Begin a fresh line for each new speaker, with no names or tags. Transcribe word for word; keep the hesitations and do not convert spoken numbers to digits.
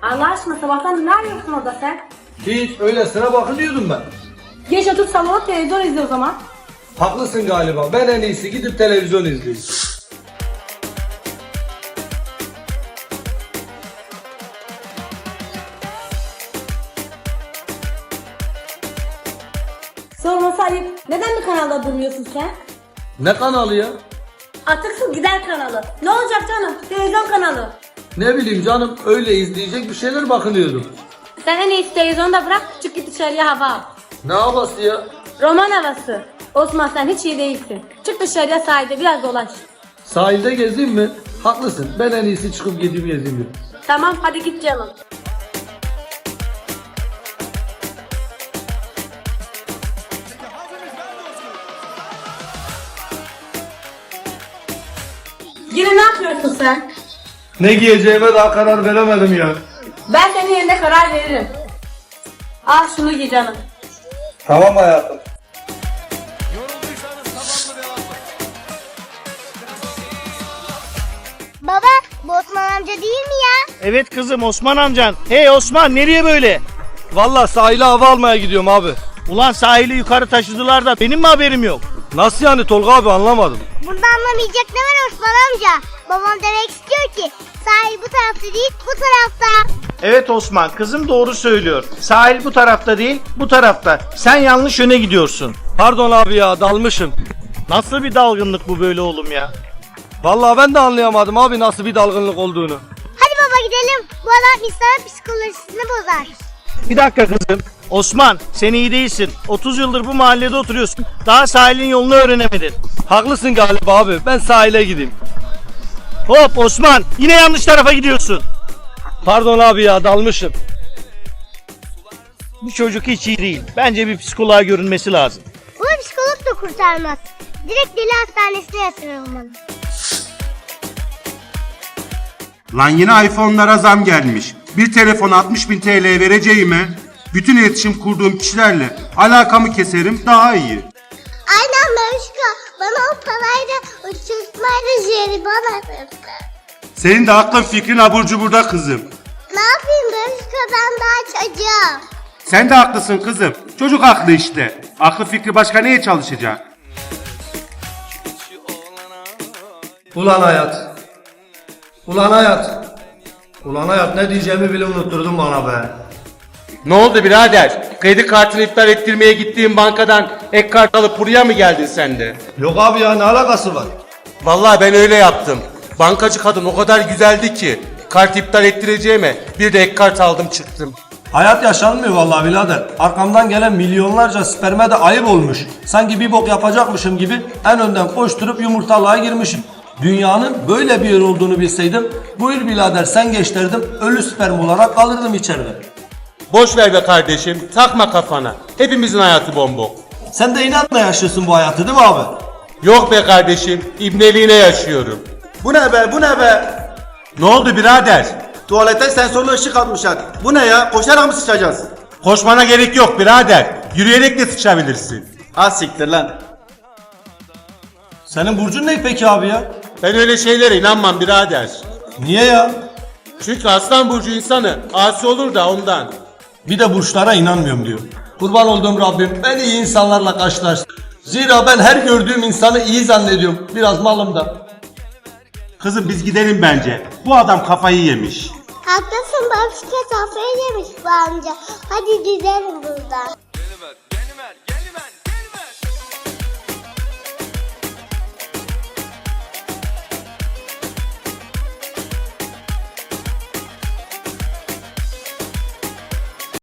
Allah aşkına sabahtan ne arıyorsun orada sen?
Hiç öylesine bakın diyordum ben.
Geç otur salona televizyon izle o zaman.
Haklısın galiba. Ben en iyisi gidip televizyon izleyeyim.
Sorması ayıp. Neden bir kanalda durmuyorsun sen?
Ne kanalı ya?
Atıksız gider kanalı. Ne olacak canım? Televizyon kanalı.
Ne bileyim canım, öyle izleyecek bir şeyler bakınıyordum.
Sen en iyisi televizyonu da bırak, çık git dışarıya hava al.
Ne havası ya?
Roman havası. Osman sen hiç iyi değilsin. Çık dışarıya sahilde biraz dolaş.
Sahilde gezeyim mi? Haklısın. Ben en iyisi çıkıp gideyim gezeyim.
Tamam hadi git canım. Yine ne yapıyorsun sen?
Ne giyeceğime daha karar veremedim ya.
Ben senin yerine karar veririm. Al şunu giy canım.
Tamam hayatım.
Baba, bu Osman amca değil mi ya?
Evet kızım, Osman amcan. Hey Osman, nereye böyle?
Vallahi sahile hava almaya gidiyorum abi.
Ulan sahili yukarı taşıdılar da benim mi haberim yok?
Nasıl yani Tolga abi, anlamadım.
Burada anlamayacak ne var Osman amca? Babam demek istiyor ki sahil bu tarafta değil bu tarafta.
Evet Osman, kızım doğru söylüyor. Sahil bu tarafta değil, bu tarafta. Sen yanlış yöne gidiyorsun.
Pardon abi ya, dalmışım.
Nasıl bir dalgınlık bu böyle oğlum ya?
Vallahi ben de anlayamadım abi nasıl bir dalgınlık olduğunu.
Hadi baba gidelim. Bu adam insanın psikolojisini bozar.
Bir dakika kızım. Osman, sen iyi değilsin. otuz yıldır bu mahallede oturuyorsun. Daha sahilin yolunu öğrenemedin.
Haklısın galiba abi, ben sahile gideyim.
Hop Osman, yine yanlış tarafa gidiyorsun.
Pardon abi ya, dalmışım.
Bu çocuk hiç iyi değil. Bence bir psikoloğa görünmesi lazım.
Bunu psikolog da kurtarmaz. Direkt deli hastanesine yatırılmalı.
Lan yine iPhone'lara zam gelmiş. Bir telefon altmış bin T L vereceğime bütün iletişim kurduğum kişilerle alakamı keserim, daha iyi.
Aynen Mevşka. Bana o parayla uçurtmayla jelibon alırdı.
Senin de aklın fikrin abur cuburda kızım.
Ne yapayım Mevşka'dan daha çocuğum.
Sen de haklısın kızım. Çocuk aklı işte. Aklı fikri başka neye çalışacak?
Ulan hayat. Ulan hayat. Ulan hayat, ne diyeceğimi bile unutturdun bana be.
Ne oldu birader? Kredi kartını iptal ettirmeye gittiğin bankadan ek kart alıp buraya mı geldin sen de?
Yok abi ya, ne alakası var?
Vallahi ben öyle yaptım. Bankacı kadın o kadar güzeldi ki kart iptal ettireceğime bir de ek kart aldım çıktım.
Hayat yaşanmıyor vallahi birader. Arkamdan gelen milyonlarca sperme de ayıp olmuş. Sanki bir bok yapacakmışım gibi en önden koşturup yumurtalığa girmişim. Dünyanın böyle bir yer olduğunu bilseydim, buyur birader sen geç derdim, ölü sperm olarak kalırdım içeride.
Boş ver be kardeşim, takma kafana. Hepimizin hayatı bombok.
Sen de inatla yaşıyorsun bu hayatı değil mi abi?
Yok be kardeşim, ibneliğine yaşıyorum.
Bu ne be, bu ne be?
Ne oldu birader?
Tuvalete sensörlü ışık atmışlar. Bu ne ya? Koşarak mı sıçacağız?
Koşmana gerek yok birader. Yürüyerek de sıçabilirsin.
Az siktir lan.
Senin burcun ne peki abi ya?
Ben öyle şeylere inanmam birader.
Niye ya?
Çünkü aslan burcu insanı asi olur da ondan.
Bir de burçlara inanmıyorum diyor. Kurban olduğum Rabbim beni iyi insanlarla karşılaştır. Zira ben her gördüğüm insanı iyi zannediyorum. Biraz malım da.
Kızım biz gidelim bence. Bu adam kafayı yemiş.
Haklısın Mevşka kafayı yemiş bu amca. Hadi gidelim buradan.